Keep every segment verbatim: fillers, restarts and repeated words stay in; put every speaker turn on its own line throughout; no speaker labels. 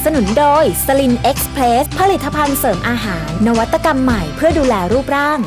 สนุนโดยสลินเอ็กซ์เพรสผลิตภัณฑ์เสริมอาหารนวัตกรรมใหม่เพื่อดูแลรูปร่าง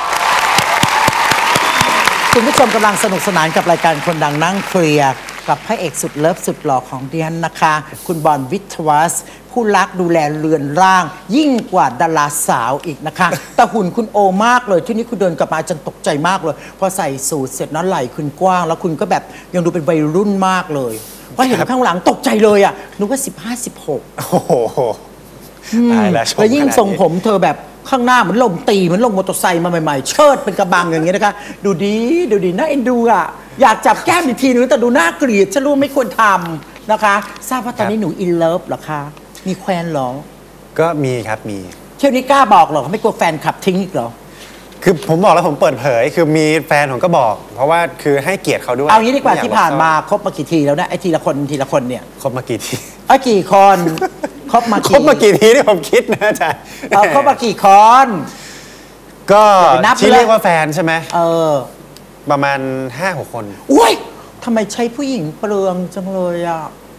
คุณผู้ชมกำลังสนุกสนานกับรายการคนดังนั่งเคลียร์กับพระเอกสุดเลิฟสุดหล่อของดิฉันนะคะคุณบอลวิทวัสผู้รักดูแลเรือนร่างยิ่งกว่าดาราสาวอีกนะคะแต่หุ่นคุณโอมากเลยที่นี่คุณเดินกลับมาจนตกใจมากเลยพอใส่สูทเสร็จนั้นไหล่คุณกว้างแล้วคุณก็แบบยังดูเป็นวัยรุ่นมากเลยพอเห็นข้างหลังตกใจเลยอ่ะนึกว่าสิบห้าสิบหกโอ้โหตายแล้วแล้วยิ่งทรงผมเธอแบบข้างหน้าเหมือนลมตีเหมือนลงมอเตอร์ไซค์มาใหม่ๆเชิดเป็นกระบังอย่างเงี้ยนะคะดูดีดูดีน่าเอ็นดูอ่ะอยากจับแก้มอีกทีนึงแต่ดูน่าเกลียดฉันรู้ไม่ควรทำนะคะทราบว่าตอนนี้หนูอินเลิฟเหรอคะมีแควนเหรอ
ก็มีครับมี
เที่ยวนี้กล้าบอกเหรอเขาไม่กลัวแฟนคลับทิ้งอีกเหรอ
คือผมบอกแล้วผมเปิดเผยคือมีแฟนผมก็บอกเพราะว่าคือให้เกียรติเขาด้วย
เอางี้ดีกว่าที่ผ่านมาคบมากี่ทีแล้วนะไอ้ทีละคนทีละคนเนี่ย
คบมากี่ที
ไอ้กี่คนคบมา
กี่คบมากี่ทีที่ผมคิดนะอาจารย์
เอาคบมากี่คน
ก็ที่เรียกว่าแฟนใช่ไหม
เออ
ประมาณห้าหกคน
อุ้ยทำไมใช้ผู้หญิงเปลืองจังเลยอ่ะ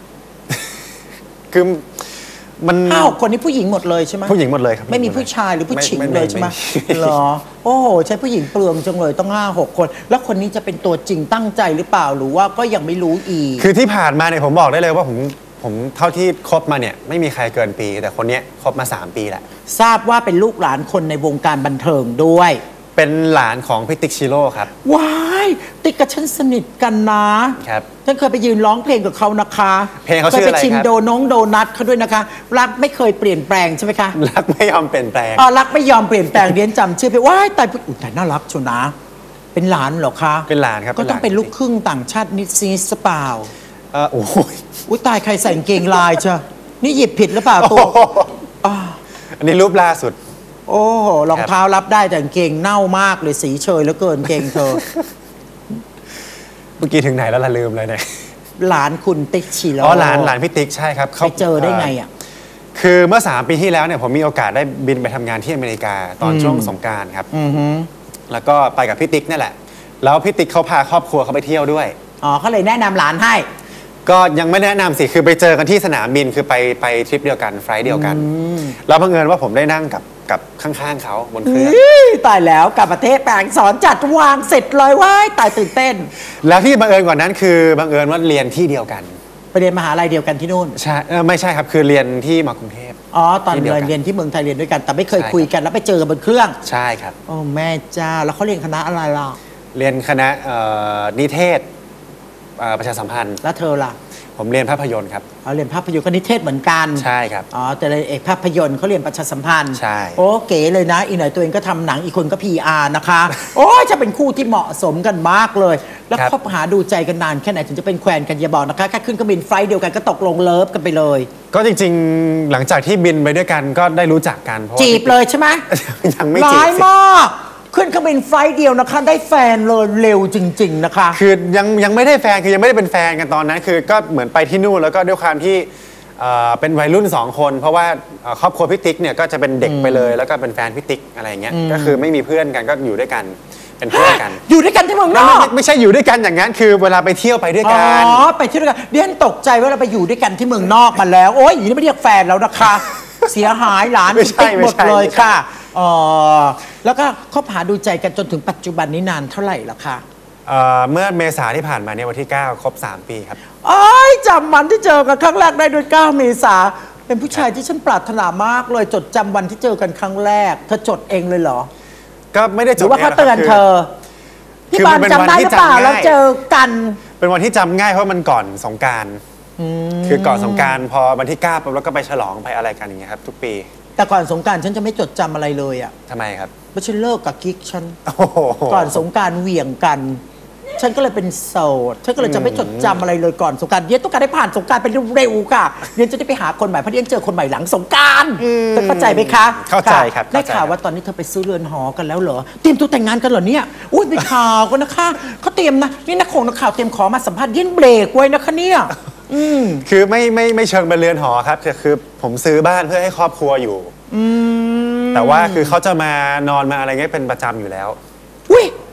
คือมัน
ห้าหกคนนี้ผู้หญิงหมดเลยใช่ไหม
ผู้หญิงหมดเลยครับ
ไม่มีผู้ชายหรือผู้หญิงเลยใช่ไหมเหรอโอ้โหใช้ผู้หญิงเปลืองจังเลยต้องห้าหกคนแล้วคนนี้จะเป็นตัวจริงตั้งใจหรือเปล่าหรือว่าก็ยังไม่รู้อีก
คือที่ผ่านมาเนี่ยผมบอกได้เลยว่าผมผมเท่าที่คบมาเนี่ยไม่มีใครเกินปีแต่คนนี้คบมาสามปีแหละ
ทราบว่าเป็นลูกหลานคนในวงการบันเทิงด้วย
เป็นหลานของพี่ติ๊กชิโร่ครับ
ว้ายติ๊กกับฉันสนิทกันนะครับฉันเคยไปยืนร้องเพลงกับเขานะคะ
เพลงเขาชื่ออะไรครับ
เคยไปชิมโดน้องโดนัทเขาด้วยนะคะรักไม่เคยเปลี่ยนแปลงใช่ไหมคะ
รักไม่ยอมเปลี่ยนแปลง
อ๋อรักไม่ยอมเปลี่ยนแปลงเรียนจำชื่อไปว้ายตายอุ้ยแต่น่ารักชัวนะเป็นหลานเหรอคะ
เป็นหลานครับ
ก็ต้องเป็นลูกครึ่งต่างชาตินิดซีสเปล่า
เออโอ้ย
อุ้ยตายใครใส่กางเกงลายเชียวนี่หยิบผิดหรือเปล่าตัว
อันนี้รูปล่าสุด
โอ้โหรองเท้ารับได้แต่กางเกงเน่ามากเลยสีเชยแล้วเกินเกงเธอ
เมื่อกี้ถึงไหนแล้วล่ะลืมเลยเนี่ย
หลานคุณติ๊กชิโร่
อ๋อหลานหลานพี่ติ๊กใช่ครับ
เขาเจอได้ไงอ่ะ
คือเมื่อสามปีที่แล้วเนี่ยผมมีโอกาสได้บินไปทำงานที่อเมริกาตอนช่วงสงกรานต์ครับแล้วก็ไปกับพี่ติ๊กนี่แหละแล้วพี่ติ๊กเขาพาครอบครัวเขาไปเที่ยวด้วย
อ๋อเขาเลยแนะนำหลานให้
ก็ยังไม่แนะนำสิคือไปเจอกันที่สนามบินคือไปไปทริปเดียวกันไฟล์เดียวกันแล้วบังเอิญว่าผมได้นั่งกับกับข้างๆเขาบนเครื่อง
ตายแล้วกับประเทศแปลงสอนจัดวางเสร็จเลยว้ายตายตื่นเต้น
แล้วที่บังเอิญกว่านั้นคือบังเอิญว่าเรียนที่เดียวกัน
ไปเรียนมหาลัยเดียวกันที่นู่น
ใช่ไม่ใช่ครับคือเรียนที่มากรุงเทพ
อ๋อตอนเรียนเรียนที่เมืองไทยเรียนด้วยกันแต่ไม่เคยคุยกันแล้วไปเจอกันบนเครื่อง
ใช่ครับ
โอ้แม่จ้าแล้วเขาเรียนคณะอะไรล่ะ
เรียนคณะนิเทศประชาสัมพันธ์
แล้วเธอล่ะ
ผมเรียนภาพยนตร์ครับ
เอาเรียนภาพยนตร์ก็นิเทศเหมือนกัน
ใช่ครับ
อ๋อแต่เอกภาพยนตร์เขาเรียนประชาสัมพันธ์
ใช่
โอ้เก๋เลยนะอีกหน่อยตัวเองก็ทำหนังอีกคนก็ พี อาร์ นะคะโอ้จะเป็นคู่ที่เหมาะสมกันมากเลยแล้วคบหาดูใจกันนานแค่ไหนถึงจะเป็นแควนกันอย่าบอกนะคะแค่ขึ้นเครื่องบินไฟล์เดียวกันก็ตกลงเลิฟกันไปเลย
ก็จริงๆหลังจากที่บินไปด้วยกันก็ได้รู้จักกัน
จีบเลยใช่ไหม
ยังไม่จีบ
ร้ายมากขึ้นเครื่องบินไฟล์เดียวนะคะได้แฟนเลยเร็วจริงๆนะคะ
คือยังยังไม่ได้แฟนคือยังไม่ได้เป็นแฟนกันตอนนั้นคือก็เหมือนไปที่นู่นแล้วก็ด้วยความที่เป็นวัยรุ่นสองคนเพราะว่าครอบครัวพี่ติ๊กเนี่ยก็จะเป็นเด็กไปเลยแล้วก็เป็นแฟนพี่ติ๊กอะไรเงี้ยก็คือไม่มีเพื่อนกันก็อยู่ด้วยกันเป็นเพื่อนกัน
อยู่ด้วยกันที่เมืองนอก
ไม่ใช่อยู่ด้วยกันอย่างนั้นคือเวลาไปเที่ยวไปด้วยกัน
อ๋อไปเที่ยวด้วยกันเดี๋ยวตกใจว่าเราไปอยู่ด้วยกันที่เมืองนอกมาแล้วโอ๊ยอย่างนี้ไม่เรียกแฟนแล้วนะคะเสียหายหลานติ๊กหมดเลยค่ะอ๋อแล้วก็คบหาดูใจกันจนถึงปัจจุบันนี้นานเท่าไหร่แล้วคะ
เมื่อเมษาที่ผ่านมาเนี่ยวันที่เก้าครบสามปีครับ
อ๋อจำวันที่เจอกันครั้งแรกได้ด้วยเก้าเมษาเป็นผู้ชายที่ฉันปรารถนามากเลยจดจำวันที่เจอกันครั้งแรกเธอจดเองเลยเหรอ
ก็ไม่ได้จดห
รือว่าเขาเตือนเธอพี่บอลจำได้หรือเปล่าเราเจอกัน
เป็นวันที่จำง่ายเพราะมันก่อนสงกรานต์คือก่อนสงกรานต์พอวันที่เก้าปุ๊บแล้วก็ไปฉลองไปอะไรกันอย่างเงี้ยครับทุกปี
แต่ก่อนสงกรานต์ฉันจะไม่จดจำอะไรเลยอ่ะ
ทำไมครับ
เพราะฉันเลิกกับกิ๊กฉันก่อนสงกรานต์เหวี่ยงกันฉันก็เลยเป็นโสดฉันก็เลยจะไม่จดจำอะไรเลยก่อนสงกรานต์เดี๋ยวต้องการได้ผ่านสงกรานต์ไปเร็วๆค่ะเดี๋ยวจะได้ไปหาคนใหม่เพราะเดี๋ยวเจอคนใหม่หลังสงกรานต์เข้าใจไหมคะ
เข้าใจครับ
ได้ข่าวว่าตอนนี้เธอไปซื้อเรือนหอกันแล้วเหรอเตรียมตัวแต่งงานกันเหรอเนี่ยอุ้ยไปข่าวกันนะคะเขาเตรียมนะนี่นักข่าวนักข่าวเตรียมขอมาสัมภาษณ์เย็นเบรกไว้นะคะเนี่ย
คือไม่ไม่ไม่เชิงเป็นเรือนหอครับแต่คือผมซื้อบ้านเพื่อให้ครอบครัวอยู่แต่ว่าคือเขาจะมานอนมาอะไรเงี้ยเป็นประจำอยู่แล้ว
อุ้ย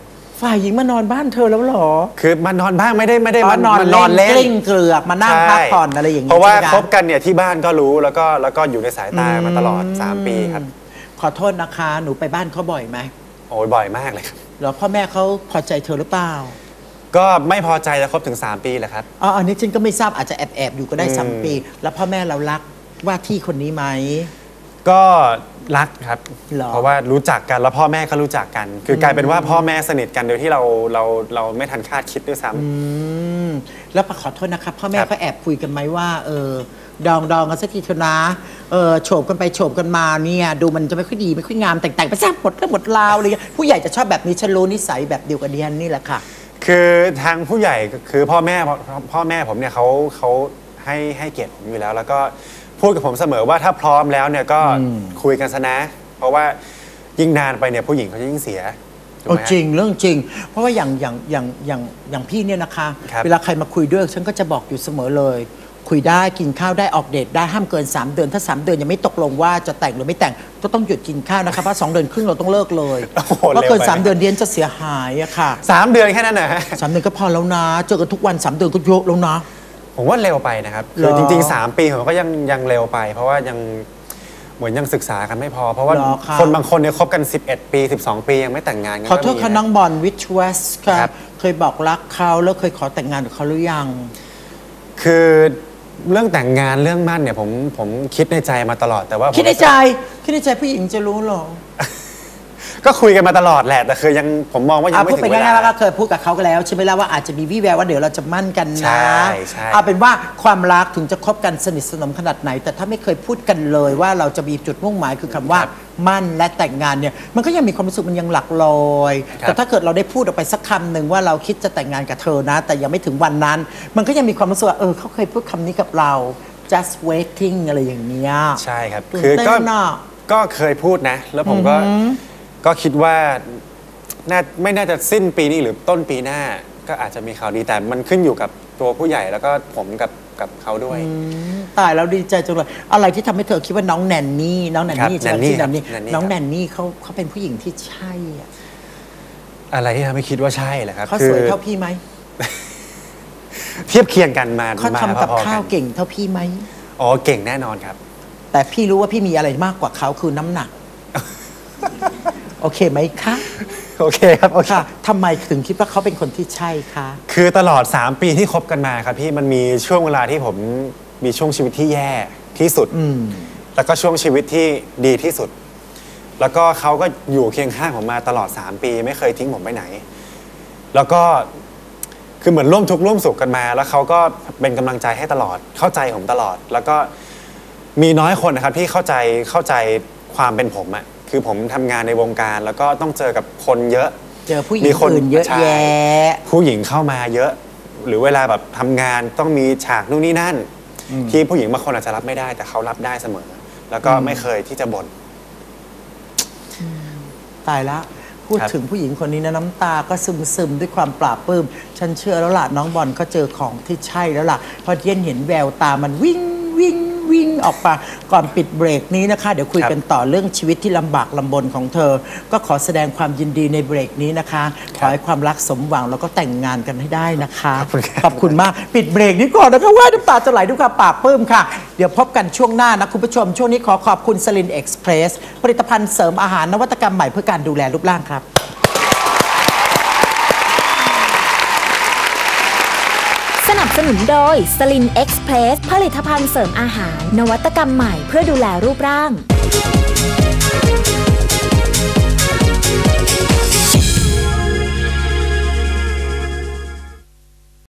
ฝ่ายหญิงมานอนบ้านเธอแล้วเหรอ
คือมานอนบ้างไม่ได้ไม่ได้
อ๋อ
มาน
อน
มัน
เล่
นอน
น
เล่น
กลิ้งเกลือกมานั่งพักผ่อนอะไรอย่าง
เพราะว่า
ใช่ไหม
คบกันเนี่ยที่บ้านก็รู้แล้วก็แล้วก็อยู่ในสายตามาตลอดสามปีครับ
ขอโทษนะคะหนูไปบ้านเขาบ่อยไหม
โอ้ยบ่อยมากเลยครับ
หรอพ่อแม่เขาพอใจเธอหรือเปล่า
ก็ไม่พอใจจะคบถึงสามปีแหละครับ
อ๋ออันนี้ฉันก็ไม่ทราบอาจจะแอบแอบๆอยู่ก็ได้
อืม
สามปี แล้วพ่อแม่เรารักว่าที่คนนี้ไหม
ก็รักครับ
หรอ
เพราะว่ารู้จักกันแล้วพ่อแม่ก็รู้จักกัน คือกลายเป็นว่าพ่อแม่สนิทกันโดยที่เราเราเราไม่ทันคาดคิดด้วยซ้ำ
อืมแล้วขอโทษนะครับพ่อแม่
ครับ
เขาแอบคุยกันไหมว่าเออดองดองกันสักทีเถอะนะเออโฉบกันไปโฉบกันมาเนี่ยดูมันจะไม่ค่อยดีไม่ค่อยงามแต่งแต่งไปซะหมดเรื่องหมดราวอะไรเลยผู้ใหญ่จะชอบแบบนี้ฉันรู้นิสัยแบบเดียวกับดิฉันนี่แหละค่ะ
คือทางผู้ใหญ่คือพ่อแม่พ่อแม่ผมเนี่ยเขาเขาให้ให้เกียรติผมอยู่แล้ว แล้วก็พูดกับผมเสมอว่าถ้าพร้อมแล้วเนี่ยก็คุยกันซะนะ เพราะว่ายิ่งนานไปเนี่ยผู้หญิงเขาจะยิ่งเสียถูก
โอ้
ไหมฮะ
จริงเรื่องจริง เพราะว่าอย่างอย่างอย่างอย่างอย่างพี่เนี่ยนะคะ
ครับ
เวลาใครมาคุยด้วยฉันก็จะบอกอยู่เสมอเลย คุยได้กินข้าวได้ออกเดทได้ห้ามเกิน สาม เดือนถ้า สาม เดือนยังไม่ตกลงว่าจะแต่งหรือไม่แต่งก็ต้องหยุดกินข้าวนะคะเพราะสองเดือนครึ่งเราต้องเลิกเลย
โอ้โห
เพราะเกิน
เร็วไป
สามเดือนเดียนจะเสียหายอะค่ะ
สามเดือนแค่นั้นนะฮะ
สามเดือนก็พอแล้วนะเจอกันทุกวันสามเดือนก็เยอะแล้วนะ
ผมว่าเร็วไปนะครับ
เหร
คือ อจริงๆ สาม ปีผมก็ยังยังเร็วไป เพราะว่ายังเหมือนยังศึกษากันไม่พอ เพราะว่า
เหรอครับ
คนบางคนเนี่ยคบกัน สิบเอ็ด ปี สิบสอง ปียังไม่แต่งงานกัน
ขอโทษ
ก็มี
ค่ะ
นะ
น้องบอลวิชเวสค่ะ
ครับ
เคยบอกรักเขาแล้วเคยขอแต่งงานกับเขาหรือยัง
คือเรื่องแต่งงานเรื่องมั่นเนี่ยผมผมคิดในใจมาตลอดแต่ว่าผม
คิดในใจคิดในใจผู้หญิงจะรู้เหรอ
ก็คุยกันมาตลอดแหละ แต่คือยังผมมองว่ายัง
อ่ะ
ไม่
พูด
ถึ
ไป
งเว
ง่ายๆ
ลา
ว่าก็เคยพูดกับเขากันแล้วใช่ไหมล่ะว่าอาจจะมีวี่แววว่าเดี๋ยวเราจะมั่นกัน
ใช่
นะ
ใช่
เอาเป็นว่าความรักถึงจะคบกันสนิทสนมขนาดไหน แต่ถ้าไม่เคยพูดกันเลยว่าเราจะมีจุดมุ่งหมายคือคำว่ามั่นและแต่งงานเนี่ยมันก็ยังมีความรู้สึกมันยังหลักลอย แต่ถ้าเกิดเราได้พูดออกไปสักคำหนึ่งว่าเราคิดจะแต่งงานกับเธอนะ แต่ยังไม่ถึงวันนั้น มันก็ยังมีความรู้สึกว่าเออเขาเคยพูดคำนี้กับเรา just waiting อะไรอย่างเงี้ย
ใช่ครับ
ตื่น
คือก็
เต้นอะ
ก็เคยพูดนะ แล้วผมก็ก็คิดว่าน่าไม่น่าจะสิ้นปีนี้หรือต้นปีหน้า ก็อาจจะมีข่าวดีแต่มันขึ้นอยู่กับตัวผู้ใหญ่แล้วก็ผมกับกับเขาด้วย
ตายแล้วดีใจจังเลยอะไรที่ทำให้เธอคิดว่าน้องแนนนี่น้องแนนนี่
ครับ
ใช่ไหม
แนนนี่
ชื่อแนนนี่
ครับแนนนี่
น้อง
ครับ
แนนนี่เขาเขาเป็นผู้หญิงที่ใช่อะ
อะไรที่ทำให้คิดว่าใช่แหละครับ
เขา
คื
สวยเท่าพี่ไหม
เทียบเคียงกันมา
เขา
มา
ทำกับ
พอๆ
ข้าวเก่งเท่าพี่ไหม
อ๋อเก่งแน่นอนครับ
แต่พี่รู้ว่าพี่มีอะไรมากกว่าเขาคือน้ำหนัก โอเคไหมคะ
โอเคครับโอเค
ค่ะทำไมถึงคิดว่าเขาเป็นคนที่ใช่คะ
คือตลอด สาม ปีที่คบกันมาครับพี่มันมีช่วงเวลาที่ผมมีช่วงชีวิตที่แย่ที่สุด
อืม
แล้วก็ช่วงชีวิตที่ดีที่สุด แล้วก็เขาก็อยู่เคียงข้างผมมาตลอด สาม ปีไม่เคยทิ้งผมไปไหน แล้วก็คือเหมือนร่วมทุกข์ร่วมสุขกันมา แล้วเขาก็เป็นกำลังใจให้ตลอดเข้าใจผมตลอด แล้วก็มีน้อยคนนะครับที่เข้าใจเข้าใจความเป็นผมอะคือผมทำงานในวงการ แล้วก็ต้องเจอกับคนเยอะ
เจอผู้หญิง
มีคน
อื่นเยอะ
ใช่
แยะ
ผู้หญิงเข้ามาเยอะ หรือเวลาแบบทำงานต้องมีฉากนู่นนี่นั่น ที่ผู้หญิงบางคนอาจจะรับไม่ได้ แต่เขารับได้เสมอ แล้วก็ไม่เคยที่จะบ่น
ตายละพูด
ครับ
ถึงผู้หญิงคนนี้นะน้ำตาก็ซึมซึมๆด้วยความปลาบปลื้มฉันเชื่อแล้วล่ะน้องบอลเขาเจอของที่ใช่แล้วล่ะเพราะเย็นเห็นแววตามันวิ่งวิ่งวิ่งออกมาก่อนปิดเบรกนี้นะคะ เดี๋ยวคุยกันต่อเรื่องชีวิตที่ลำบากลำบนของเธอ ก็ขอแสดงความยินดีในเบรกนี้นะคะขอให้ความรักสมหวังแล้วก็แต่งงานกันให้ได้นะคะ
ขอบคุณครับ
ขอบคุณมากปิดเบรกนี้ก่อนนะคะว่าน้ำตาจะไหลด้วยความปลาบปลื้มค่ะ เดี๋ยวพบกันช่วงหน้านะคุณผู้ชม ช่วงนี้ขอขอบคุณสลินเอ็กซ์เพรสผลิตภัณฑ์เสริมอาหารนวัตกรรมใหม่เพื่อการดูแลรูปร่างครับ
สนับสนุนโดยสลินเอ็กซ์เพรสผลิตภัณฑ์เสริมอาหารนวัตกรรมใหม่เพื่อดูแลรูปร่าง